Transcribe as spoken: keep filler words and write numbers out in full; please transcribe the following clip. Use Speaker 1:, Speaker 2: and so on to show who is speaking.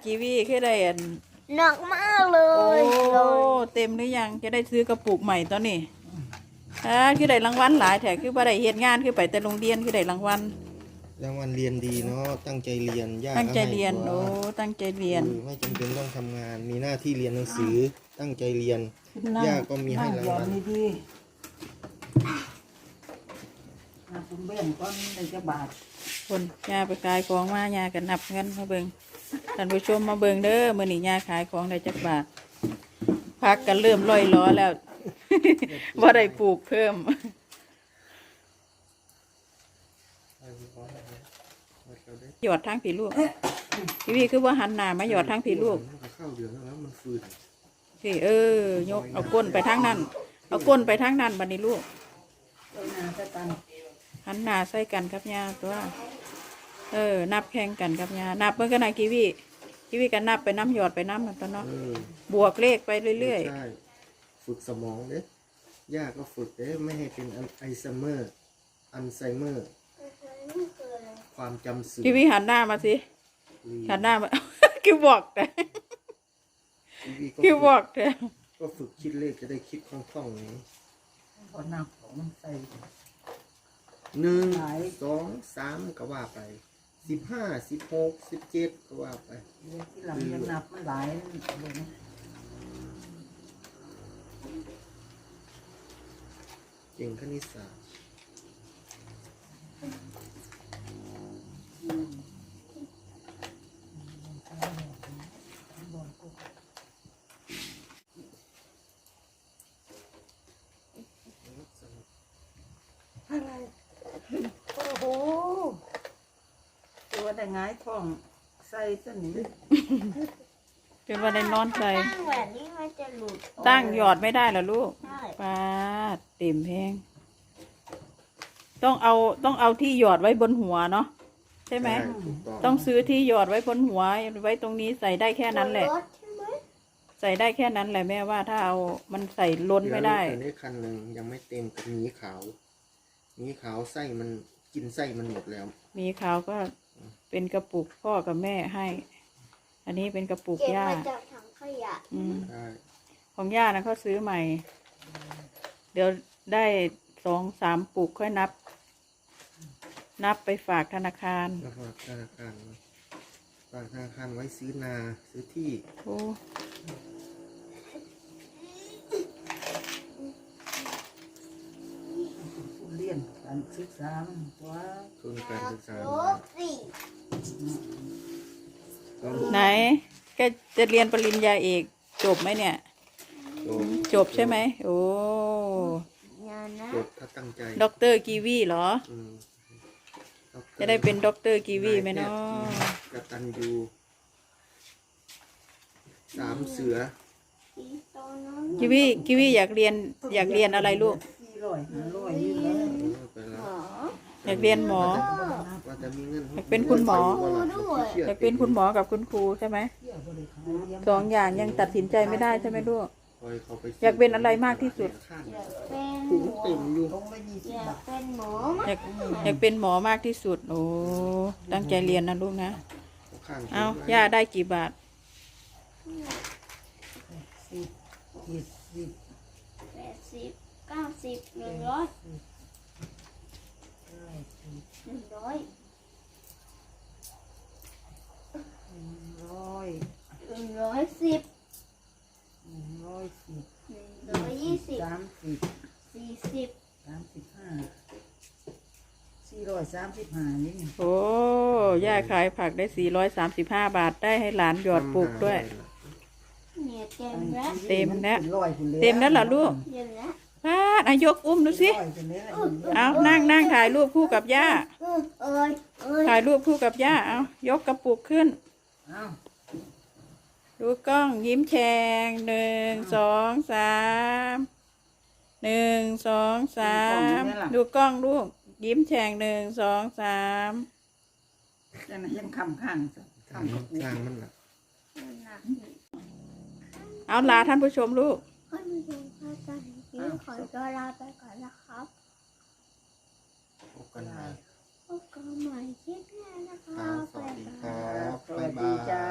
Speaker 1: กีวีแค่ได้อัน
Speaker 2: หนักมากเลย
Speaker 1: โอ้เต็มหรือยังจะได้ซื้อกระปุกใหม่ตอนนี้อ่าคือได้รางวัลหลายแถคือบ่ได้เฮ็ดงานคือไปแต่โรงเรียนคือได้รางวัล
Speaker 3: รางวัลเรียนดีเนาะตั้งใจเรียนยาก
Speaker 1: ตั้งใจเรียนโอ้ตั้งใจเรียน
Speaker 3: ไม่จำเป็นต้องทำงานมีหน้าที่เรียนหนังสือตั้งใจเรียนยากก็มีให้รางวัล
Speaker 4: ดีๆคุณเบี้ยนก้อนในจะบาท
Speaker 1: คนยาไปขายของมายากันนับเงินมาเบิ่งท่านผู้ชมมาเบิ่งเด้อมื้อนี้ยาขายของได้จักบาทพักกันเริ่มลอยล้อแล้วว่าได้ปลูกเพิ่มหยอดทั้งผีลูกพี่พี่คือว่าหันหน้ามาหยอดทั้งผีลูก
Speaker 3: เข้าเดือนแล้วมันฟืน
Speaker 1: พี่เออยกเอาก้นไปทางนั้นเอาก้นไปทางนั้นบัดนี้ลูกหันหน้าใส่กันครับยาตัวเออนับแข่งกันครับยานับเมื่อกันไหนกีวีกีวีกันนับไปน้ำหยอดไปน้ำมันตอนเนาะบวกเลขไปเรื่อย
Speaker 3: ๆฝึกสมองเด้ยากก็ฝึกเด้ไม่ให้เป็นไอซัมเมอร์อัลไซเมอร์ความจำเสื่อม
Speaker 1: กีวีหันหน้ามาสิหันหน้ามาคือบอกแต่คือบอกแต่
Speaker 3: ก็ฝึกคิดเลขจะได้คิดคล่องๆนี้
Speaker 4: พอหนักของมันใส่
Speaker 3: หนึ่งสองสามก็ว่าไปสิบห้าสิบหกสิบเจ็ดก็ว่าไป
Speaker 4: ที่หลังยังนับไม่หลายเลยนะ
Speaker 3: เก่งคณิตศาสตร์
Speaker 4: อะไรโอ้โหตัวได้ง่ายท้องใส่ตัวนี้
Speaker 1: เป็นว่าได้นอนใส่
Speaker 2: ตั้งแบบนี้มันจะหลุด
Speaker 1: ตั้งหยอดไม่ได้เหรอลูกป้าเต็มแพงต้องเอาต้องเอาที่หยอดไว้บนหัวเนาะใช่ไหมต้องซื้อที่หยอดไว้บนหัวไว้ตรงนี้ใส่ได้แค่นั้นแหละใส่ได้แค่นั้นแหละแม่ว่าถ้าเอามันใส่ล้นไม่ได้
Speaker 3: แต่นี้คันหนึ่งยังไม่เต็มกับหมีขาวหมีขาวไส้มันกินไส้มันหมดแล้ว
Speaker 1: หมีขาวก็เป็นกระปุกพ่อกับแม่ให้อันนี้เป็นกระปุกย่า
Speaker 2: เก็บมาจากถังขยะ
Speaker 1: ของย่านะเขาซื้อใหม่เดี๋ยวได้สองสามปุกค่อยนับนับไปฝากธนาคาร
Speaker 3: ฝากธนาคารฝากธนาคารไว้ซื้อนาซื้อที่
Speaker 1: โอ้
Speaker 4: เรียนการศึกษาว่า
Speaker 3: ทุนการศึกษา
Speaker 1: ไหนแกจะเรียนปริญญาเอกจบไหมเนี่ยจบใช่ไหมโอ้
Speaker 3: จบถ้าตั้งใจ
Speaker 1: ด็อกเตอร์กีวีเหรอจะได้เป็นด็อกเตอร์กีวีไหมเนาะ
Speaker 3: กตัญญูสามเสือ
Speaker 1: กีวีกีวีอยากเรียนอยากเรียนอะไรลูกอยากเรียนหมออยากเป็นคุณหมออยากเป็นคุณหมอกับคุณครูใช่ไหมสองอย่างยังตัดสินใจไม่ได้ใช่ไหมลูกอยากเป็นอะไรมากที่สุด
Speaker 2: อยากเป็นหมอ
Speaker 1: อยากอยากเป็นหมอมากที่สุดโอ้ตั้งใจเรียนนะลูกนะเอาย่าได้กี่บาท
Speaker 2: แปดสิบเก้าสิบหนึ่งร้อยหนึ่งร้อย
Speaker 4: ร้อย
Speaker 2: หนึ่งร้อยสิบ
Speaker 4: หนึ่งร้อยสิบ
Speaker 2: หนึ่งร้อยยี่สิบ
Speaker 4: สามสิบ
Speaker 2: สี่สิบ
Speaker 4: สามสิบห้าสี่ร้อยสามสิบห้านี่
Speaker 1: โอ้ย่าขายผักได้สี่ร้อยสามสิบห้าบาทได้ให้หลานหยอดปลูกด้วย
Speaker 2: เนี่ยเต็มแล้ว
Speaker 1: เต็มแล้วเต็มแล้วเหรอลูกป้าอายกอุ้มดูสิเอานั่งนั่งถ่ายรูปคู่กับย่าถ่ายรูปคู่กับย่าเอายกกระปุกขึ้นดูกล้องยิ้มแฉ่งหนึ่งสองสามหนึ่งสองสามดูกล้องลูกยิ้มแฉ่งหนึ่งสองสาม
Speaker 4: ยังยังคำข้าง
Speaker 3: ข้างข้างมันหนัก
Speaker 1: เอาลาท่านผู้ชมลูก
Speaker 2: ท่านผู้ชมค่ะตอนนี้ขอตัวลาไปก่อนนะครับ
Speaker 3: พบกันใหม่
Speaker 2: พบกันใหม่คลิปหน้านะคะ
Speaker 3: สวัสดีครับบ๊ายบาย